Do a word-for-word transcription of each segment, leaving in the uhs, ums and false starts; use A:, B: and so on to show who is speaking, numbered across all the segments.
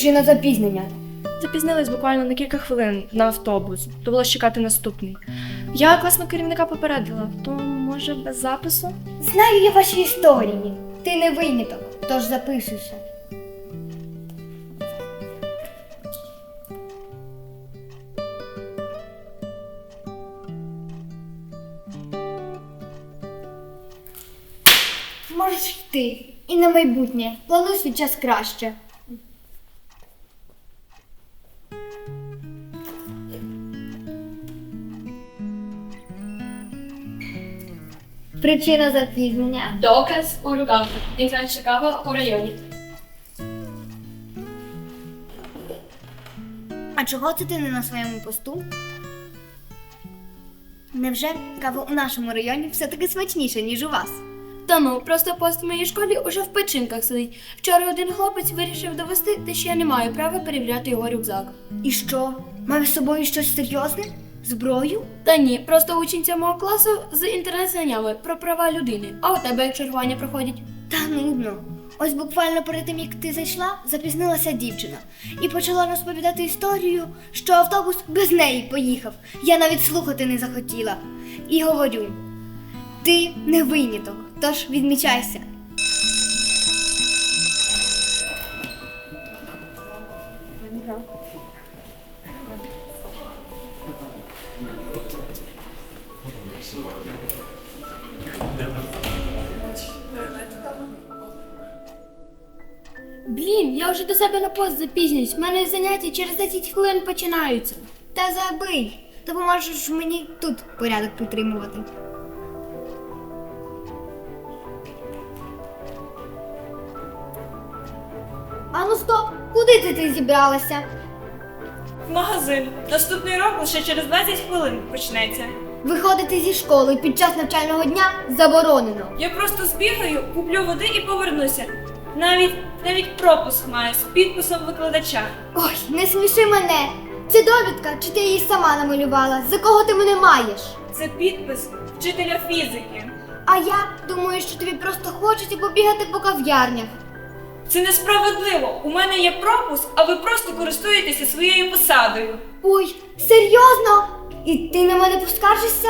A: причина запізнення?
B: Запізнились буквально на кілька хвилин на автобус. Довелося чекати наступний. Я класного керівника попередила, то може без запису?
A: Знаю я ваші історії. Ти не виняток, тож записуйся. Можеш йти. І на майбутнє. Плануй свій час краще. Причина запізнення.
C: Доказ у руках. Найкраща кава у районі.
A: А чого це ти не на своєму посту? Невже кава у нашому районі все-таки смачніша, ніж у вас?
C: Та ну, просто пост в моїй школі уже в печінках сидить. Вчора один хлопець вирішив довести, те, що я не маю права перевіряти його рюкзак.
A: І що? Мав з собою щось серйозне? Зброю?
C: Та ні, просто учениця мого класу з інтернет-знаннями про права людини. А у тебе як чергування проходять?
A: Та нудно. Ось буквально перед тим, як ти зайшла, запізнилася дівчина. І почала розповідати історію, що автобус без неї поїхав. Я навіть слухати не захотіла. І говорю, ти не виняток, тож відмічайся.
C: Блін, я вже до себе на пост запізнююсь. У мене заняття через десять хвилин починаються.
A: Та забий, допоможеш мені тут порядок підтримувати. Ану стоп, куди ти, ти зібралася?
B: В магазин. Наступний урок лише через двадцять хвилин почнеться.
A: Виходити зі школи під час навчального дня заборонено.
B: Я просто збігаю, куплю води і повернуся. Навіть, навіть пропуск маю з підписом викладача.
A: Ой, не сміши мене. Це довідка, чи ти її сама намалювала? За кого ти мене маєш?
B: Це підпис вчителя фізики.
A: А я думаю, що тобі просто хочеться побігати по кав'ярнях.
B: Це несправедливо. У мене є пропуск, а ви просто користуєтеся своєю посадою.
A: Ой, серйозно? І ти на мене поскаржишся?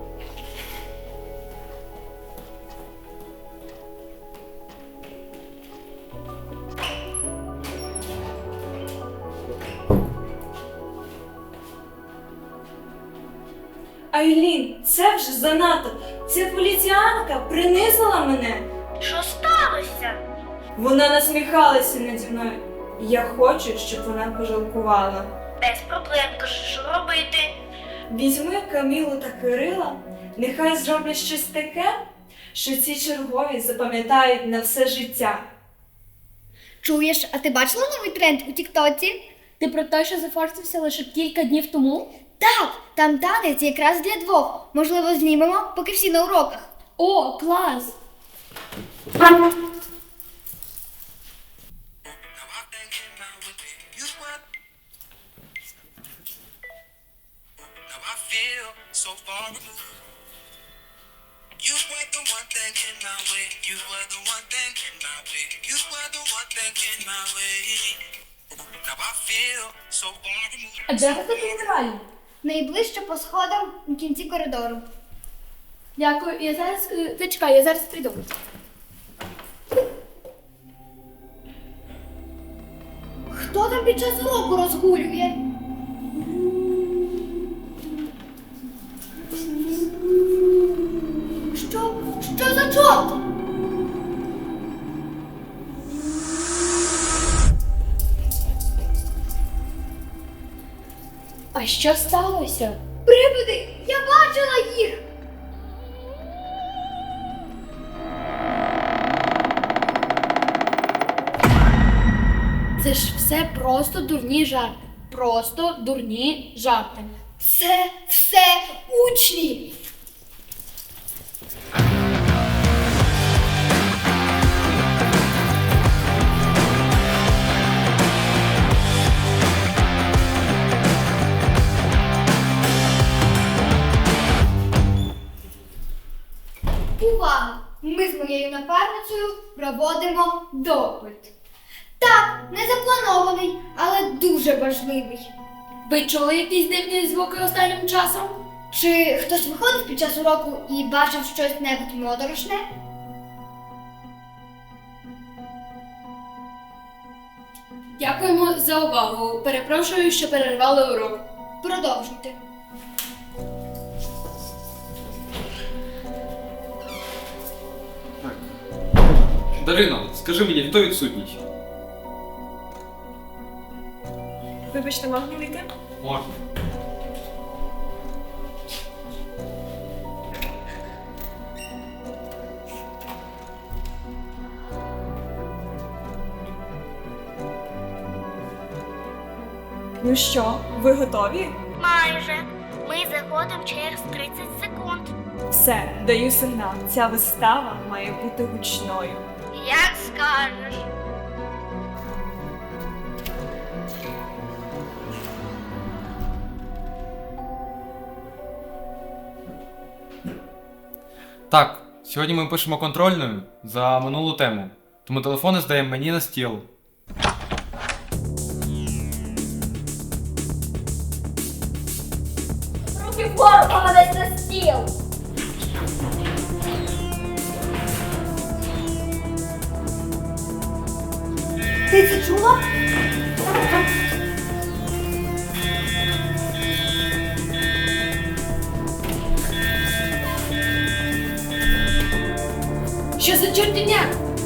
B: Айлін, це вже занадто. Ця поліціянка принизила мене.
A: Що сталося?
B: Вона насміхалася наді мною. Я хочу, щоб вона пожалкувала.
A: Без проблем, кажу, що робити?
B: Візьми Камілу та Кирила, нехай зроблять щось таке, що ці чергові запам'ятають на все життя.
A: Чуєш, а ти бачила новий тренд у Тіктоці?
C: Ти про те, що зафорсився лише кілька днів тому?
A: Так, там танець якраз для двох. Можливо, знімемо, поки всі на уроках.
C: О, клас!
D: So far removed. You were the one thing in my way. You were the one thing in my way. You were the one thing in my way. Now I feel so far removed.
C: А де ви такі генеральні?
A: Найближче по сходам у кінці коридору.
C: Дякую, я зараз... е, Зачекай, я зараз прийду.
A: Хто там під час уроку розгулює? Що? Що за чорт?
C: А що сталося?
A: Привиди! Я бачила їх!
C: Це ж все просто дурні жарти. Просто дурні жарти.
A: Це все учні! Увага! Ми з моєю напарницею проводимо допит. Так, не запланований, але дуже важливий.
C: Ви чули якісь дивні звуки останнім часом?
A: Чи хтось виходив під час уроку і бачив щось небудь моторошне?
C: Дякуємо за увагу. Перепрошую, що перервали урок.
A: Продовжуйте.
E: Дарино, скажи мені, хто відсутній?
B: Вибачте, можна вийти?
E: Можна.
F: Ну що, ви готові?
G: Майже. Ми заходимо через тридцять секунд.
F: Все, даю сигнал. Ця вистава має бути гучною.
G: Як скажеш.
E: Так, сьогодні ми пишемо контрольною за минулу тему, тому телефони здаємо мені на стіл.
A: Руки вгору, помадись на стіл! Ти це чула?
C: Що за чортівня?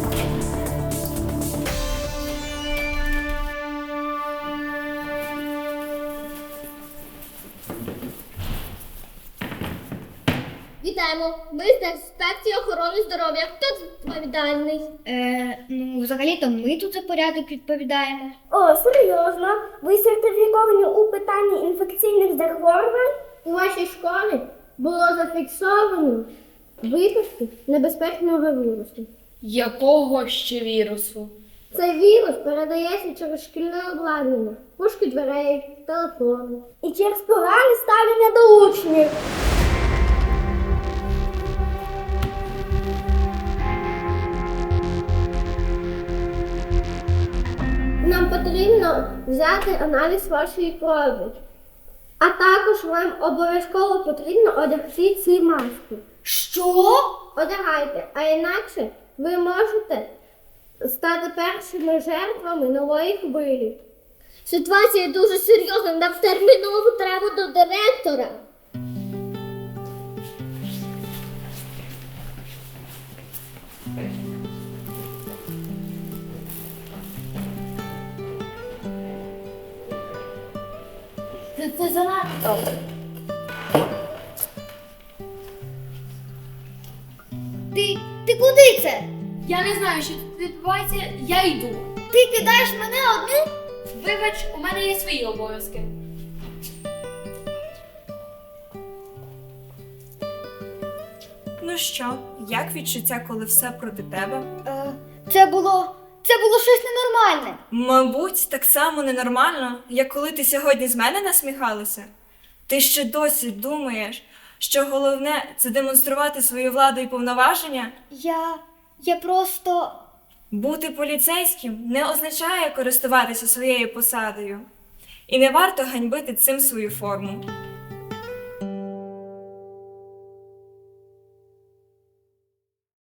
G: Вітаємо. Ми з інспекції охорони здоров'я. Хто відповідальний?
A: Е, ну, взагалі-то ми тут за порядок відповідаємо.
H: О, серйозно? Ви сертифіковані у питанні інфекційних захворювань? У вашій школі було зафіксовано випадки небезпечного вірусу.
C: Якого ще вірусу?
H: Цей вірус передається через шкільне обладнання, пушки дверей, телефони. І через погане ставлення до учнів. Нам потрібно взяти аналіз вашої крові. А також вам обов'язково потрібно одягти ці маски.
A: Що?
H: Одягайте, а інакше ви можете стати першими жертвами нової хвилі. Ситуація дуже серйозна, нам терміново треба до директора.
A: Це, це занадто. Ти, ти куди це?
C: Я не знаю, що тут відбувається, я йду.
A: Ти кидаєш мене одну?
C: Вибач, у мене є свої обов'язки.
F: Ну що, як відчуття, коли все проти тебе?
A: Е, це було. Це було щось ненормальне.
F: Мабуть, так само ненормально, як коли ти сьогодні з мене насміхалася. Ти ще досі думаєш, що головне це демонструвати свою владу і повноваження?
A: Я. Я просто.
F: Бути поліцейським не означає користуватися своєю посадою. І не варто ганьбити цим свою форму.